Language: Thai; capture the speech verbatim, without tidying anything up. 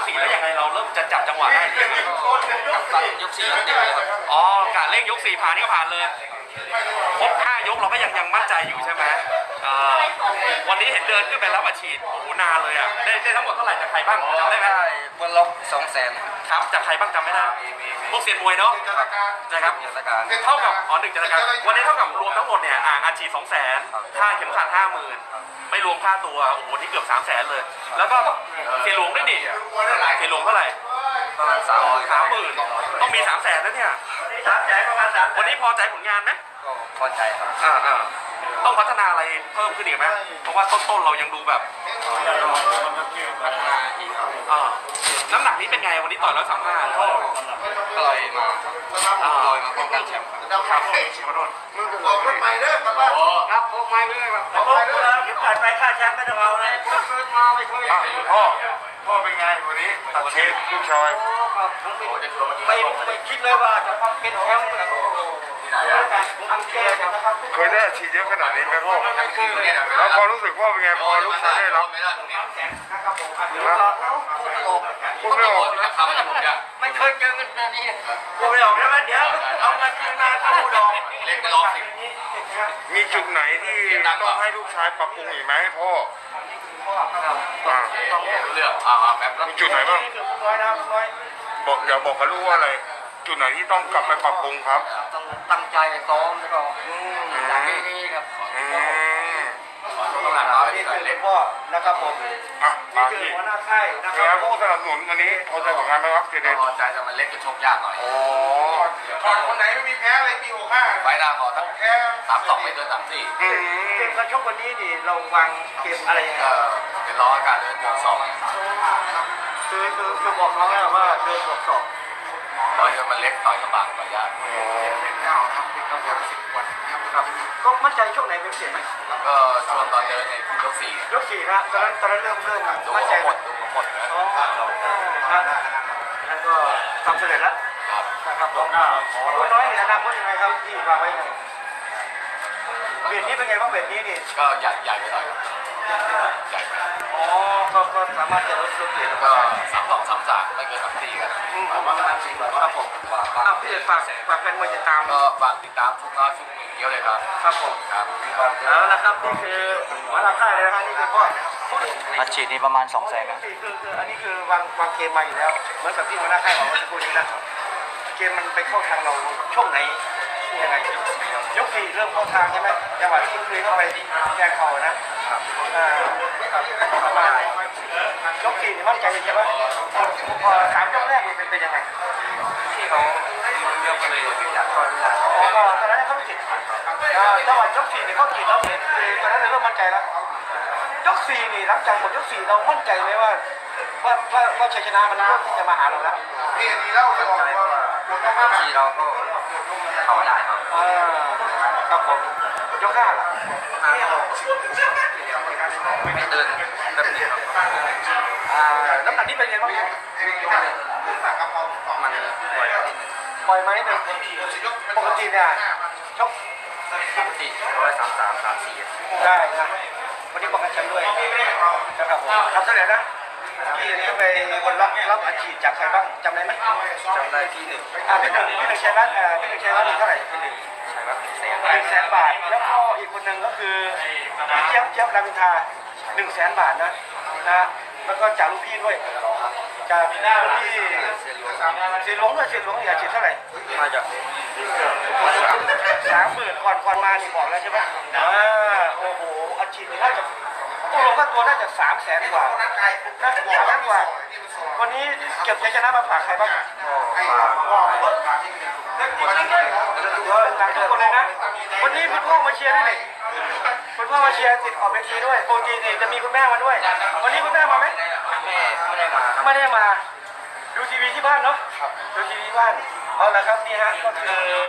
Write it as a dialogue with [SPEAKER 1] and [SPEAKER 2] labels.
[SPEAKER 1] สี่แล้วยังไงเราเริ่มจะจับจังหวะได้หรือยังกับตันยกสี่เดียวเลยครับอ๋อกะเร่งยกสี่ผ่านนี่ก็ผ่านเลยครบห้ายกเราก็ยังยังมั่นใจอยู่ใช่ไหมวันนี้เห็นเดินขึ้นไปแล้วมาฉีดโอ้โหนานเลยอ่ะได้ได้ทั้งหมดเท่าไหร่จากใครบ้างจำได้ไหมบนล็อกสองแสนครับจากใครบ้างจำไม่ได้พวกเซียนมวยเนาะนะครับเท่ากับอ๋อหนึ่งจัดการวันนี้เท่ากับรวมทั้งหมดเนี่ยอาฉีดสองแสนค่าเข็มขัดห้าหมื่นไม่รวมค่าตัวโอ้โหที่เกือบสามแสนเลยแล้วก็เสียหลวงด้วยดิเสียหลวงเท่าไหร่ประมาณสามสามหมื่นต้องมีสามแสนแล้วเนี่ยวันนี้พอใจผลงานไหมก็พอใจครับอ่าอ่าต้องพัฒนาอะไรเพิ่มขึ้นอีกไหมเพราะว่าต้นๆเรายังดูแบบพัฒนาอีกอ่าน้ำหนักนี้เป็นไงวันนี้ต่อยร้อยสามห้าก็ลอยมาลอยมาป้องกันแชมป์ครับมึงบอกรถใหม่เด้อครับครับรถใหม่เด้อครับรถใหม่เด้อเก็บผ่านไปค่าแชมป์ไม่ต้องเอาเลยเกิดมาไม่เคยพ่อพ่อเป็นไงวันนี้ตัดเชฟลูกชายไม่ไม่คิดเลยว่าจะเป็นแชมป์เคยได้ฉีดเยอะขนาดนี้ไหมพ่อแล้วพอรู้สึกพ่อเป็นไงพอลูกชายได้รับพูดไม่ออกไม่เคยเจอเงินแบบนี้พูดไม่ออกแล้วเดี๋ยวเอาเงินที่นาเข้าดองเล่นไปรอบสิมีจุดไหนที่ต้องให้ลูกชายปรับปรุงอีกไหมพ่อต้องเลือกอ่าแบบมีจุดไหนบ้างบอกอย่าบอกกับลูกว่าอะไรจุดไหนที่ต้องกลับไปปรับปรุงครับต้องตั้งใจซ้อมแล้วก็อย่างนี้ครับนี่คือเล็กพ่อนะครับผมนี่คือหัวหน้าค่ายนะครับผู้สนับสนุนวันนี้พอใจผลงานไหมครับเจเดนพอใจแต่มันเล็กจะชกยากหน่อยโอ้ก่อนคนไหนไม่มีแพ้อะไรปีหกห้าไฟหน้าขอทั้งแพ้สามสองไม่เกินสามสี่เกมการชกวันนี้นี่เราวางเกมอะไรยังไงเป็นล้อการเดินบวกสองคือคือคือบอกน้องแล้วว่าเดินบวกสองต่อยมันเล็กต่อยลำบากต่อยยากก็มั่นใจช่วงไหนเป็นเสียไหมก็ช่วงตอนเดินในยกสี่ยกสี่นะตอนนั้นตอนนั้นเริ่มเริ่มมั่นใจหมดหมดนะแล้วก็ทำเสร็จแล้วนะครับผมคุณน้อยในอนาคตยังไงครับที่วางไว้ยังไงเบียดนี้เป็นไงบ้างเบียดนี้นี่ก็ใหญ่ใหญ่ไปหน่อยใหญ่ไปอ๋อก็ก็สามารถจะลดลดเบียดก็สามสองสามสามไม่เกินสามสี่กันครับผมอ้าวพี่เอกฝากฝากแฟนมวยติดตามก็ฝากติดตามทุกน้อยทุกหนึ่งเดียวเลยครับครับผมครับแล้วนะครับนี่คือหัวหน้าค่ายเลยนะครับนี่คือพ่ออัดฉีดนี่ประมาณสองแสนคือคืออันนี้คือวางวางเกมมาอยู่แล้วเหมือนกับที่หัวหน้าค่ายบอกเมื่อสักครู่นี้นะเกมมันไปเข้าทางเราช่วงไหนยังไงยกสี่เริ่มเข้าทางใช่ไหมจังหวะที่คุณคุยเข้าไปแกงเข่านะอ่ายกสี่นี่มั่นใจใช่ไหมพอสามยกแรกมันเป็นเป็นยังไงที่เขาเยอะไปเลยอ๋อตอนนั้นเขาไม่จิตจังหวะยกสี่นี่เขาจิตแล้วเนี่ยคือตอนนั้นเราเริ่มมั่นใจแล้วยกสี่นี่หลังจากหมดยกสี่เรามั่นใจไหมว่าว่าว่าว่าชัยชนะมันเริ่มจะมาหาเราแล้วนี่ดีแล้วจะบอกว่าสี่เราก็เข้าได้ครับอ่าครับผมยกห้าล่ะไม่เดินแบบนี้ครับอ่าน้ำหนักนี้เป็นไงบ้างครับมันปล่อยปล่อยไหมหนึ่งปกติเนี่ยชกปกติร้อยสามสามสามสี่ได้นะวันนี้ป้องกันแชมป์ด้วยนะครับผมทำเท่าไหร่นะพี่นี่ไปบนรับรับอาชีพจากใครบ้างจำได้ไหมจำได้ที่หนึ่งอ่าพี่หนึ่งพี่หนึ่งชัยรัตน์อ่าพี่หนึ่งชัยรัตน์นี่เท่าไหร่พี่หนึ่งชัยรัตน์แสนหนึ่งแสนบาทแล้วก็อีกคนหนึ่งก็คือพี่เจี๊ยบเจี๊ยบรามอินทราหนึ่งแสนบาทนะนะแล้วก็จากลูกพี่ด้วยจากพี่เสียหลวงด้วยเสียหลวงอาชีพเท่าไหร่มาจากสามหมื่นก่อนก่อนมานี่บอกแล้วใช่ไหมอ่าโอ้โหอาชีพน่าจะตัวลงค่าตัวน่าจะสามแสนกว่าน่าจะสามแสนกว่าวันนี้เก็บชัยชนะมาฝากใครบ้างฝากทุกคนเลยนะวันนี้คุณพ่อมาเชียร์ด้วยนี่คุณพ่อมาเชียร์ติดขอบเวทีด้วยโปรตีนจะมีคุณแม่มาด้วยวันนี้คุณแม่มาไหมไม่ได้มาไม่ได้มาดูทีวีที่บ้านเนาะดูทีวีที่บ้านเอาละครับนี่ฮะก็คือ